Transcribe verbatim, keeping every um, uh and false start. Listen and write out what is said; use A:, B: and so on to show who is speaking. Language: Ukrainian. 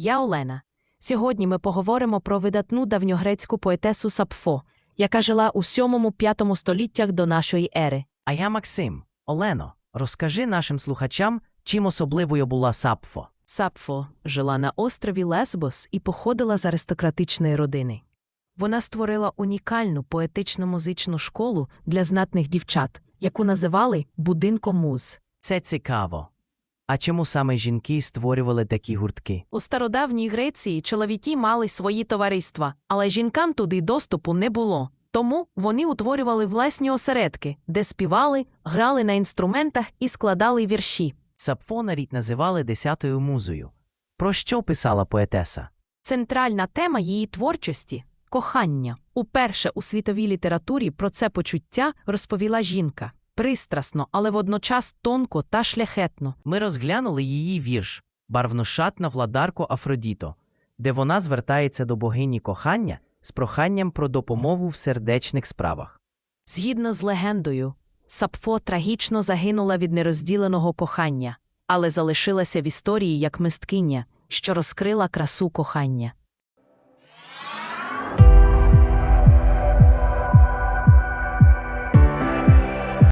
A: я Олена. Сьогодні ми поговоримо про видатну давньогрецьку поетесу Сапфо, яка жила у сьомому-п'ятому століттях до нашої ери.
B: А я Максим. Олено, розкажи нашим слухачам, чим особливою була Сапфо.
A: Сапфо жила на острові Лесбос і походила з аристократичної родини. Вона створила унікальну поетично-музичну школу для знатних дівчат, яку називали «будинком муз».
B: Це цікаво. А чому саме жінки створювали такі гуртки?
A: У стародавній Греції чоловіки мали свої товариства, але жінкам туди доступу не було. Тому вони утворювали власні осередки, де співали, грали на інструментах і складали вірші.
B: Сапфо навіть називали десятою музою. Про що писала поетеса?
A: Центральна тема її творчості – кохання. Уперше у світовій літературі про це почуття розповіла жінка. Пристрасно, але водночас тонко та шляхетно.
B: Ми розглянули її вірш «Барвношатна владарко Афродіто», де вона звертається до богині кохання з проханням про допомогу в сердечних справах.
A: Згідно з легендою, Сапфо трагічно загинула від нерозділеного кохання, але залишилася в історії як мисткиня, що розкрила красу кохання.